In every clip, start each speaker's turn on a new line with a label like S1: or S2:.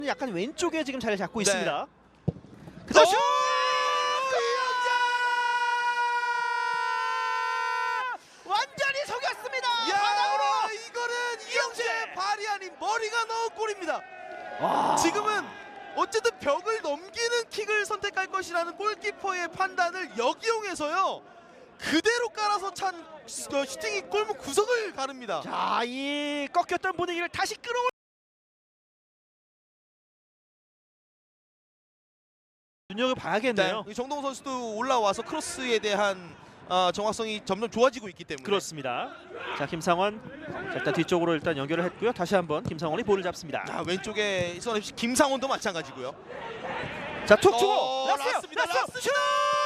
S1: 약간 왼쪽에 지금 자리 잡고 있습니다.
S2: 네.
S1: 그다음 슛! 완전히 속였습니다. 바닥으로.
S2: 이거는 이영재 발이 아닌 머리가 넣은 골입니다.
S1: 와.
S2: 지금은 어쨌든 벽을 넘기는 킥을 선택할 것이라는 골키퍼의 판단을 역이용해서요. 그대로 깔아서 찬 슈팅이 골문 구석을 가릅니다.
S1: 자, 이 꺾였던 분위기를 다시 끌어올. 눈여겨 봐야겠네요.
S2: 정동호 선수도 올라와서 크로스에 대한 정확성이 점점 좋아지고 있기 때문에.
S1: 그렇습니다. 자, 김상원. 자, 일단 뒤쪽으로 일단 연결을 했고요. 다시 한번 김상원이 볼을 잡습니다.
S2: 자, 왼쪽에 선FC 김상원도 마찬가지고요.
S1: 자, 툭 주고
S2: 라스입니다.
S1: 라스 슛!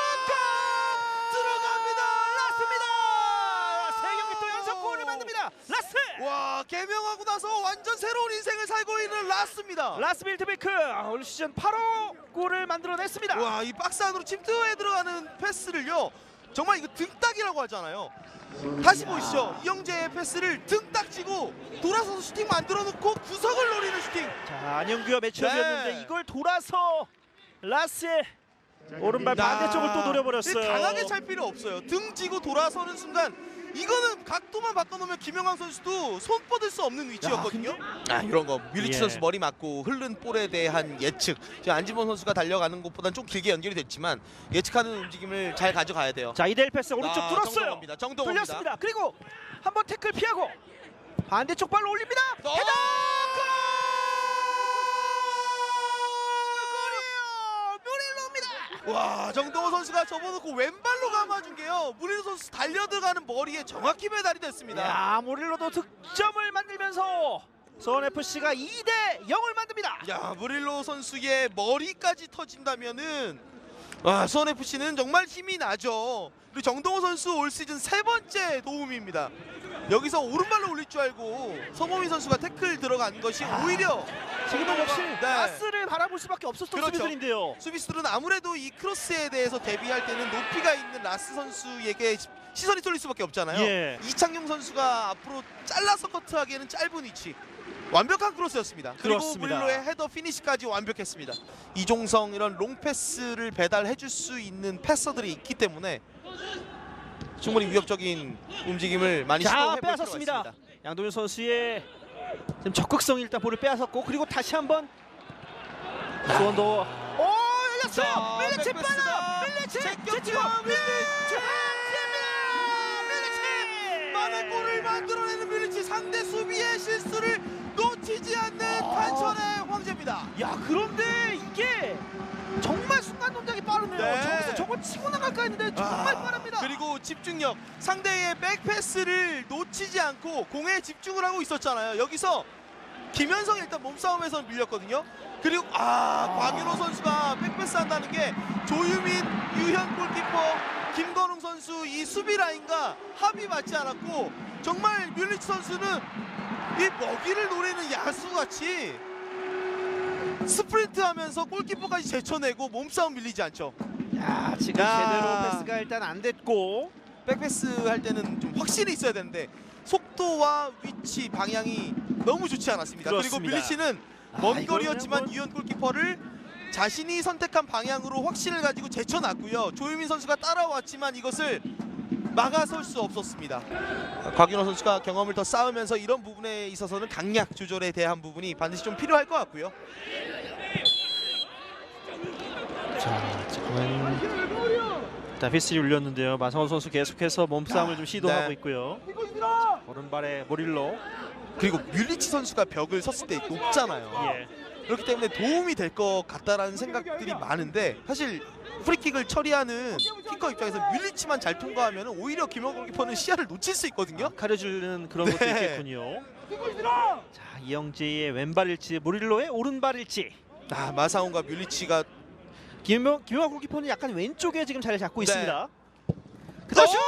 S2: 들어갑니다.
S1: 라스입니다. 세 경기 또 연속 골을 만듭니다. 라스.
S2: 와, 개명하고 나서 완전 새로운 인생을 살고 있는 라스입니다.
S1: 라스 빌드베이크 올 시즌 8호 골을 만들어냈습니다.
S2: 와, 이 박스 안으로 침투해 들어가는 패스를요. 정말 이거 등딱이라고 하잖아요. 다시 보시죠. 이영재의 패스를 등딱 치고 돌아서서 슈팅 만들어 놓고 구석을 노리는 슈팅.
S1: 자, 안영규와 매치업이었는데
S2: 네.
S1: 이걸 돌아서 라스의 오른발 반대쪽을 또 노려버렸어요.
S2: 강하게 찰 필요 없어요. 등 지고 돌아서는 순간 이거는 각도만 바꿔놓으면 김영환 선수도 손 뻗을 수 없는 위치였거든요. 이런 거 뮬리치
S1: 예.
S2: 선수 머리 맞고 흐른 볼에 대한 예측. 지금 안지범 선수가 달려가는 것보다는 좀 길게 연결이 됐지만 예측하는 움직임을 잘 가져가야 돼요.
S1: 자, 이대일 패스 오른쪽 뚫었어요.
S2: 정동호입니다. 정동호입니다.
S1: 뚫렸습니다. 그리고 한번 태클 피하고 반대쪽 발로 올립니다. 헤더!
S2: 와, 정동호 선수가 접어놓고 왼발로 감아준 게요. 무릴로 선수 달려들어가는 머리에 정확히 배달이 됐습니다.
S1: 야, 모릴로도 득점을 만들면서 수원FC가 2대 0을 만듭니다.
S2: 야, 무릴로 선수의 머리까지 터진다면은 와, 수원FC는 정말 힘이 나죠. 그리고 정동호 선수 올 시즌 3번째 도움입니다. 여기서 오른발로 올릴 줄 알고 서범인 선수가 태클 들어간 것이 오히려
S1: 지금은 역시
S2: 네.
S1: 라스를 바라볼 수밖에 없었던
S2: 그렇죠.
S1: 수비들인데요.
S2: 수비수들은 아무래도 이 크로스에 대해서 대비할 때는 높이가 있는 라스 선수에게 시선이 쏠릴 수밖에 없잖아요.
S1: 예.
S2: 이창용 선수가 앞으로 잘라서 커트하기에는 짧은 위치. 완벽한 크로스였습니다. 그리고
S1: 그렇습니다.
S2: 무릴로의 헤더 피니시까지 완벽했습니다. 이종성 이런 롱 패스를 배달해 줄 수 있는 패서들이 있기 때문에 충분히 위협적인 움직임을 많이 시도해 볼 필요가
S1: 빼앗았습니다.
S2: 있습니다.
S1: 양동현 선수의 지금 적극성이 일단 볼을 빼앗았고 그리고 다시 한번 수원도 열렸어요.
S2: 자,
S1: 밀리치
S2: 백패스가
S1: 빨라. 밀리치 제치고 밀리치
S2: 만의 골을 만들어내는 뮬리치. 상대 수비의 실수를 놓치지 않는 탄천의 황제입니다.
S1: 야, 그런데 이게 정말 순간 동작이 빠르네요.
S2: 네.
S1: 저기서 저거 치고 나갈까 했는데 정말 빠릅니다.
S2: 그리고 집중력, 상대의 백패스를 놓치지 않고 공에 집중을 하고 있었잖아요. 여기서 김현성이 일단 몸싸움에서 밀렸거든요. 그리고 광윤호 선수가 백패스 한다는 게 조유민, 유현 골키퍼, 김건웅 선수 이 수비 라인과 합이 맞지 않았고 정말 뮬리치 선수는 이 먹이를 노리는 야수같이 스프린트하면서 골키퍼까지 제쳐내고 몸싸움 밀리지 않죠.
S1: 야, 지금 제대로 패스가 일단 안 됐고
S2: 백패스 할 때는 좀 확실히 있어야 되는데 속도와 위치, 방향이 너무 좋지 않았습니다.
S1: 그렇습니다.
S2: 그리고 밀리치는 먼
S1: 이거는
S2: 거리였지만
S1: 뭐-
S2: 유현 골키퍼를 자신이 선택한 방향으로 확신을 가지고 제쳐놨고요. 조유민 선수가 따라왔지만 이것을 막아설 수 없었습니다. 곽윤호 선수가 경험을 더 쌓으면서 이런 부분에 있어서는 강약 조절에 대한 부분이 반드시 좀 필요할 것 같고요.
S1: 자, 지금은 일단 휘슬이 울렸는데요. 마성원 선수 계속해서 몸싸움을 좀 시도하고
S2: 네.
S1: 있고요. 자, 오른발에 모릴로.
S2: 그리고 뮬리치 선수가 벽을 섰을 때 높잖아요.
S1: 예.
S2: 그렇기 때문에 도움이 될 것 같다라는 생각들이 많은데 사실 프리킥을 처리하는 키커 입장에서 뮬리치만 잘 통과하면 오히려 김영호 골키퍼는 시야를 놓칠 수 있거든요.
S1: 가려주는 그런 것도
S2: 네.
S1: 있겠군요. 자, 이영재의 왼발일지 모릴로의 오른발일지.
S2: 마사온과 뮬리치가
S1: 김영호 골키퍼는 약간 왼쪽에 지금 자리 잡고
S2: 네.
S1: 있습니다. 그다음 슛!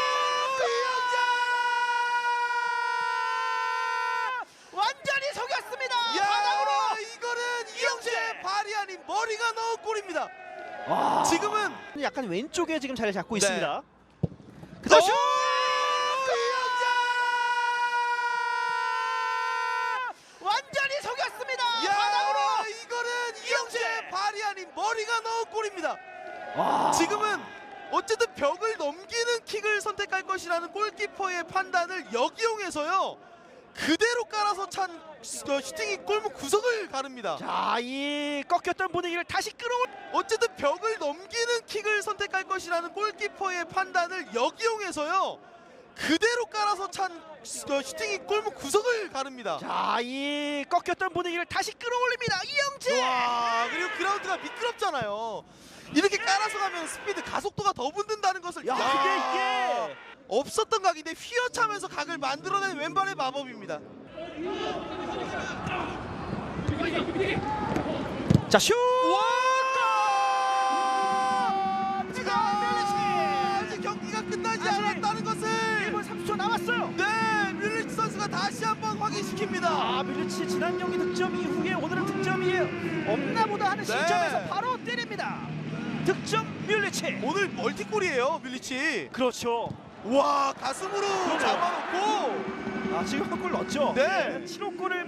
S1: 완전히 속였습니다. 바닥으로.
S2: 이거는 이영재 발이 아닌 머리가 넣은 골입니다.
S1: 와.
S2: 지금은
S1: 약간 왼쪽에 지금 자리 잡고
S2: 네.
S1: 있습니다. 그다음 슛! 완전히 속였습니다. 바닥으로.
S2: 머리가 넣은 골입니다.
S1: 와.
S2: 지금은 어쨌든 벽을 넘기는 킥을 선택할 것이라는 골키퍼의 판단을 역이용해서요. 그대로 깔아서 찬 슈팅이 골문 구석을 가릅니다.
S1: 자, 이 꺾였던 분위기를 다시 끌어올.
S2: 어쨌든 벽을 넘기는 킥을 선택할 것이라는 골키퍼의 판단을 역이용해서요. 그대로 깔아서 찬 슈팅이 골문 구석을 가릅니다.
S1: 자, 이 꺾였던 분위기를 다시 끌어올립니다. 이영재.
S2: 와, 그리고 그라운드가 미끄럽잖아요. 이렇게 깔아서 가면 스피드 가속도가 더 붙는다는 것을
S1: 야, 근데 이게
S2: 없었던 각인데 휘어차면서 각을 만들어낸 왼발의 마법입니다.
S1: 자, 슛.
S2: 와! 아직 경기가 끝나지
S1: 아직
S2: 않았다는 것을
S1: 1분 30초 남았어요.
S2: 네, 뮬리치 선수가 다시 한번 확인시킵니다.
S1: 아, 밀리치 지난 경기 득점 이후에 오늘은 득점이 없나 보다 하는
S2: 네.
S1: 시점에서 바로 때립니다. 득점 밀리치.
S2: 오늘 멀티골이에요, 뮬리치.
S1: 그렇죠.
S2: 와, 가슴으로
S1: 그러네요.
S2: 잡아놓고
S1: 아, 지금 한 골 넣었죠.
S2: 네.
S1: 7호 골을